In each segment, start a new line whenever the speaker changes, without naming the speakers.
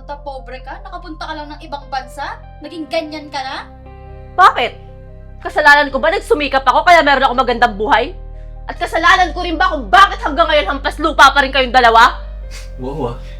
Mata pobre ka? Nakapunta ka lang ng ibang bansa? Naging ganyan ka na?
Bakit? Kasalanan ko ba nagsumikap ako kaya meron ako magandang buhay? At kasalanan ko rin ba kung bakit hanggang ngayon hampas lupa pa rin kayong dalawa?
Wow, ah.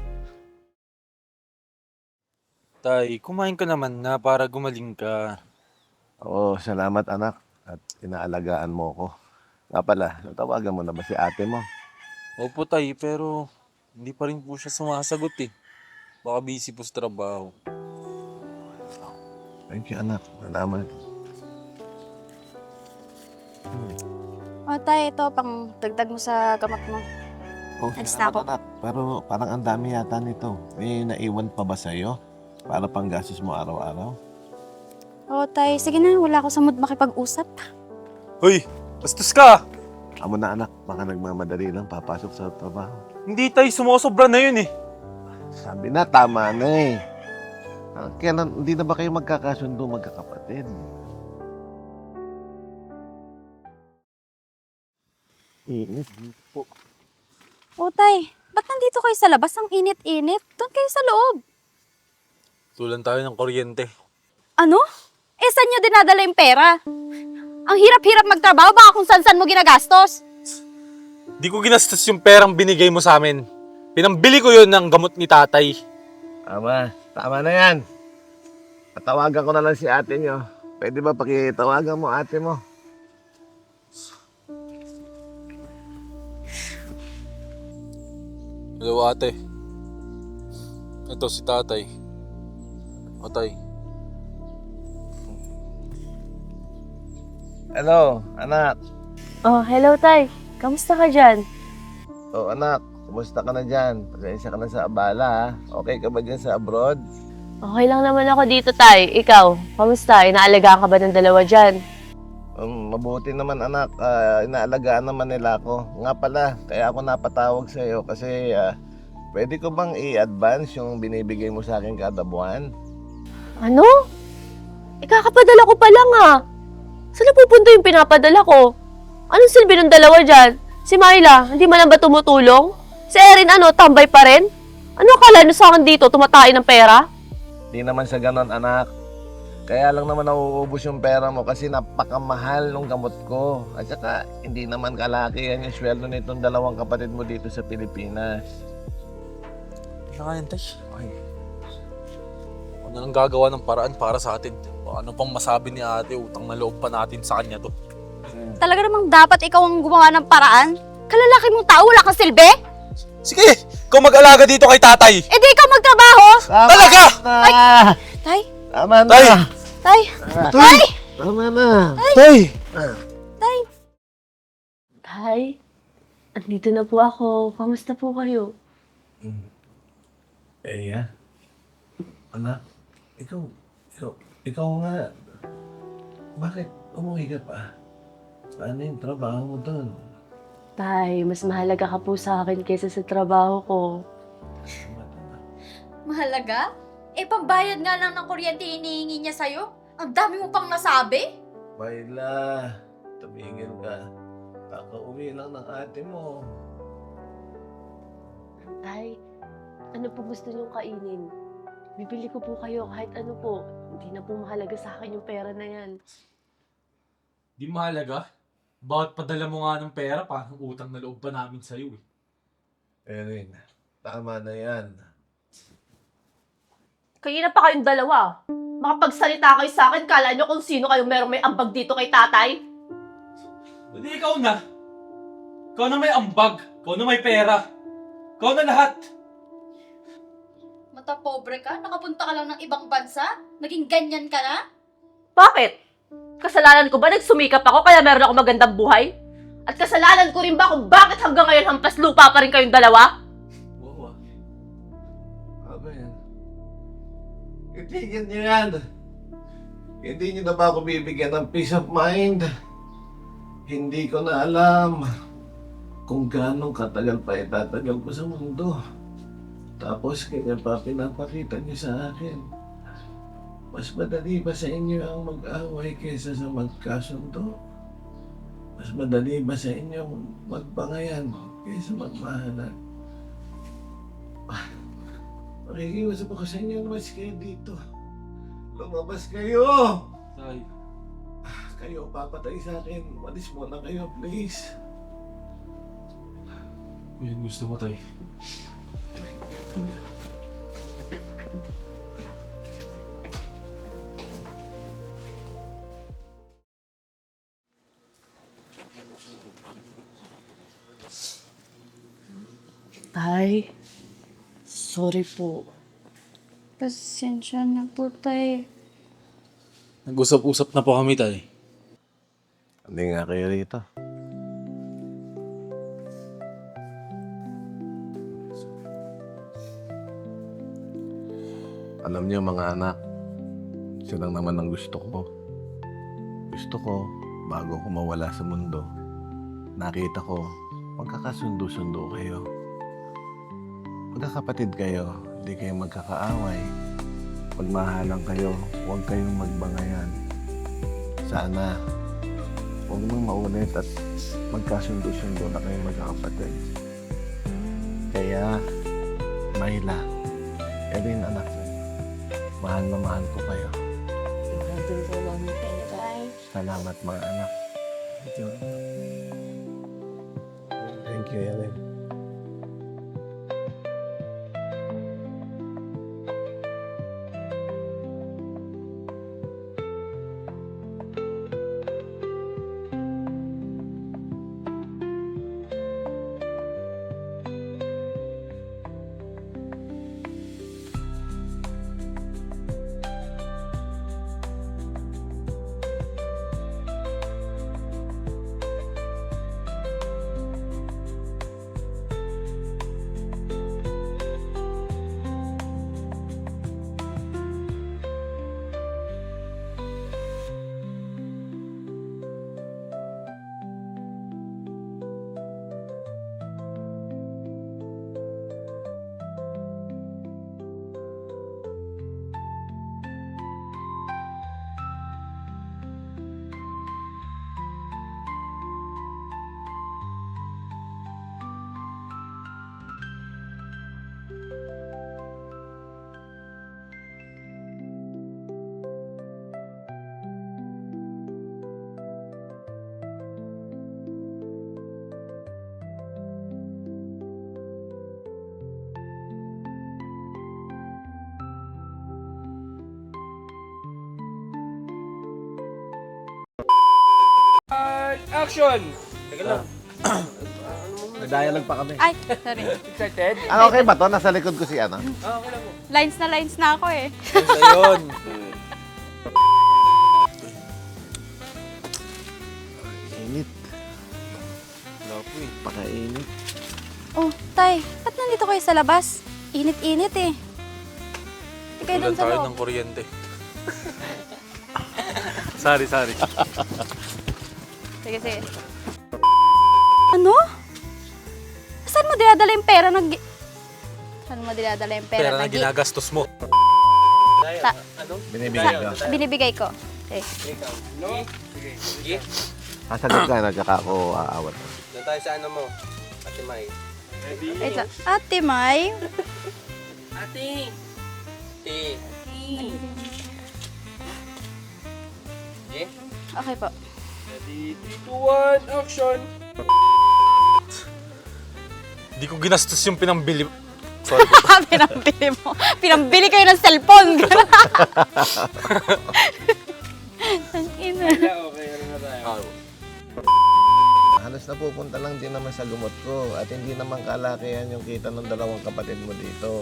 Tay, kumain ka naman na para gumaling ka.
Oo, salamat anak at inaalagaan mo ko. Nga pala, natawagan mo na ba si ate mo?
Opo tay, pero hindi pa rin po siya sumasagot eh. Baka busy po sa trabaho.
Thank you anak, salamat.
O tay, ito pang dagdag mo sa gamot mo.
Oh,
Alis na
salamat
ako.
anak, pero parang ang dami yata nito. May naiwan pa ba sa'yo? Para pang gastos mo araw-araw?
O tay, sige na, wala ako sa mood makipag-usap.
Hoy! Bastos ka!
Amo na anak, baka nagmamadali lang papasok sa trabaho.
Hindi tay, sumusobra na yun eh.
Sabi na, tama na eh. Kailan, hindi na ba kayo magkakasundo magkakapatid? Init.
O tay, ba't nandito kayo sa labas? Ang init-init. Doon kayo sa loob.
Tulan tayo ng kuryente.
Ano? Eh, saan nyo dinadala yung pera? Ang hirap-hirap magtrabaho, baka kung saan-saan mo ginagastos.
Di ko ginastos yung perang binigay mo sa amin. Pinambili ko yun ng gamot ni tatay.
Tama na yan. Patawagan ko na lang si ate nyo. Pwede ba pakitawagan mo ate mo?
Hello ate. Ito si tatay. O tay.
Hello, anak.
Oh, hello tay. Kamusta ka dyan?
Oh, anak. Kumusta ka na dyan? Pasensya ka na sa abala, ha? Okay ka ba dyan sa abroad?
Okay lang naman ako dito tay. Ikaw, kamusta? Inaalagaan ka ba ng dalawa dyan?
Mabuti naman, anak. Inaalagaan naman nila ako. Nga pala, kaya ako napatawag sa iyo kasi pwede ko bang i-advance yung binibigay mo sa akin kada buwan?
Ano? Ikakapadala ko pa lang ah. Saan napupunta yung pinapadala ko? Anong silbi ng dalawa dyan? Si Myla, hindi man lang ba tumutulong? Si Erin ano, tambay pa rin? Ano akala nyo sa akin dito, tumatain ng pera?
Di naman sa ganon, anak. Kaya lang naman nauubos yung pera mo kasi napakamahal ng gamot ko. At saka, hindi naman kalaki yan yung sweldo nitong dalawang kapatid mo dito sa Pilipinas.
Nakayan tay. Ay. Ano nang gagawa ng paraan para sa atin? Ano pang masabi ni ate, utang na loob pa natin sa kanya to.
Talaga namang dapat ikaw ang gumawa ng paraan? Kalalaki mong tao, wala kang silbi?
Sige, ikaw mag-alaga dito kay tatay.
Eh di ikaw magtrabaho!
Talaga?
Ay!
Tay,
Tama na!
Tay!
tay,
Tay!
Tama na!
Tay!
tay.
Tay, andito na po ako. Kamusta po kayo?
Eya? Anak, ikaw nga. Bakit umuwi ka pa? Paano yung trabaho mo doon?
Tay, mas mahalaga ka po sa akin kaysa sa trabaho ko.
Mahalaga? Eh, pambayad nga lang ng kuryente hinihingi niya sa'yo. Ang dami mo pang nasabi.
Myla, tumigil ka. Kakauwi lang ng ate mo.
Tay, ano po gusto niyong kainin? Bibili ko po kayo kahit ano po. Hindi na po mahalaga sa akin yung pera na yan.
Di mahalaga? Bakit padala mo nga ng pera? Parang utang na loob pa namin sa'yo eh.
Erin, tama na yan.
Kayo na pa kayong dalawa. Makapagsalita kayo sa akin, kala nyo kung sino kayong merong may ambag dito kay tatay?
Hindi ikaw na. Ikaw na may ambag. Ikaw na may pera. Ikaw na lahat.
Mata pobre ka? Nakapunta ka lang ng ibang bansa? Naging ganyan ka na?
Bakit? Kasalanan ko ba nagsumikap ako kaya meron ako magandang buhay? At kasalanan ko rin ba kung bakit hanggang ngayon hampas lupa pa rin kayong dalawa?
Oo. Ano yan? Itigil niyo yan. Hindi niyo na ba ako bibigyan ng peace of mind? Hindi ko na alam kung gaano katagal pa itatagal ko sa mundo. Tapos kaya pa pinapakita niyo sa akin. Mas madali ba sa inyo ang mag-away kaysa sa magkasundo? Mas madali ba sa inyo magbangayan kaysa magmahalan? Nakikiusap ako sa inyo, lumabas kayo dito. Lumabas kayo!
Tay.
Kayo papatay sa akin. Malis muna kayo, please.
Kung yan gusto mo, Tay.
Tay, sorry po.
Pasensya na po, tay.
Nag-usap-usap na po kami, Tay.
Hindi nga kayo rito. Alam niyo mga anak, ito lang naman ang gusto ko. Gusto ko, bago ko mawala sa mundo, nakita ko, magkakasundo-sundo kayo. Magkakapatid kayo, hindi kayo magkakaaway. Magmahalang kayo, huwag kayong magbangayan. Sana, huwag nang maulit at magkasundo-sundo na kayong magkakapatid. Kaya, Myla, Erin anak ko, mahal na mahal ko kayo. Salamat mga anak. Thank you, Erin.
Action! Teka lang.
Nag-dialogue pa kami.
Ay, sorry.
Excited?
Ano okay ba to? Nasa likod ko si ano?
Okay lang mo.
Lines na ako eh.
Ayun.
Init.
Lapo eh.
Pakainit.
Oh, tay, ba't nandito kayo sa labas? Init-init eh. Ikaw
Ulan
doon sa
tayo
loob.
ng kuryente. Sorry.
Sige, sige. Ano? Saan mo dinadala yung pera ng... Saan mo dinadala yung pera,
Pera na ginagastos mo.
Ta-
Binibigay ko.
binibigay ko? Eh.
Ikaw. No? Sige. Sige.
Kasagot ka, nagkaka ako aawat.
Doon tayo sa ano mo. Ate May. Ready?
Wait lang. Ate May.
Ate. Ate. Okay?
Okay po.
Ready? 3, 2, 1, action!
Di ko ginastos yung pinambili. Sorry po.
Pinambili mo. Pinambili kayo ng cellphone. Ang ina.
Okay, ano na tayo?
Halos napupunta lang din naman sa gumot ko at hindi naman kalakihan yung kita ng dalawang kapatid mo dito.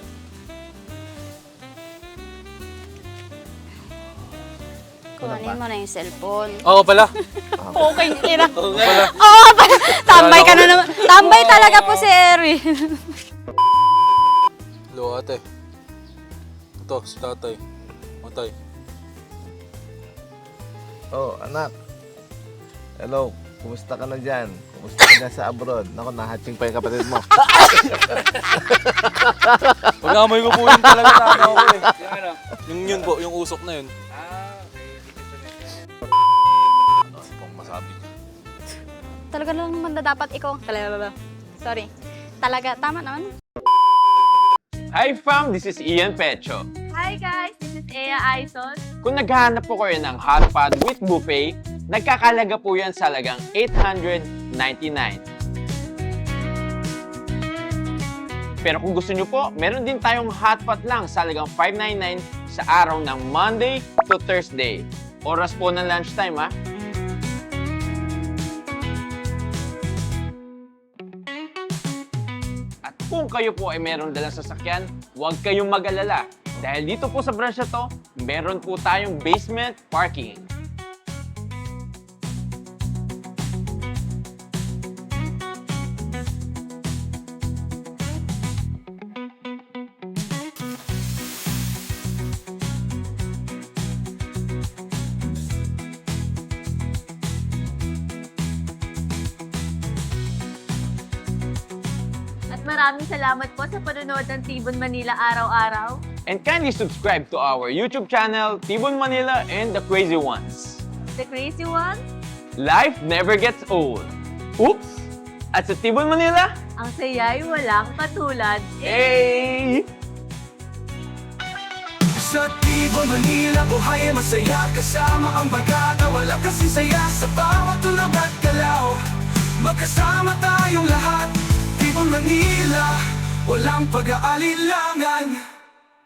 Kuhanin mo na yung cellphone.
Oo pala.
Okay, ina.
Oo pala.
Oo, tambay ka na naman. Tambay talaga po si Erwin.
Hello ate. Ito, si tatay. Matay.
Oh, anak. Hello, kumusta ka na dyan? Kumusta ka na sa abroad? Naku, nahatching pa yung kapatid mo.
Pag-amoy ko po yun talaga sa ano ko eh.
Yung ano?
Yung yun po, yung usok na yun.
Okay.
Ano pang masabi niya?
Talaga lang naman na dapat ikaw. Talaga. Sorry. Talaga, tama naman.
Hi fam, this is Ian Pecho.
Hi guys, this is Ea Aizon.
Kung naghahanap po kayo ng hot pot with buffet, nagkakalaga po yan sa halagang $899. Pero kung gusto nyo po, meron din tayong hot pot lang sa halagang $599 sa araw ng Monday to Thursday. Oras po ng lunchtime ha. At kung kayo po ay meron dalang sasakyan, huwag kayong mag-alala. Dahil dito po sa branch na to, meron po tayong basement parking.
At maraming salamat po sa panonood ng Tibon Manila araw-araw.
And kindly subscribe to our YouTube channel, Tibon Manila and the Crazy Ones.
The crazy one,
Life never gets old. Oops! At sa Tibon Manila,
ang saya'y walang katulad.
hey!
Sa Tibon, Manila, buhay ay masaya kasama ang bagata, wala kasing saya sa bawat tulog at galaw. Magkasama tayong lahat, Tibon, Manila, walang pag-aalilangan.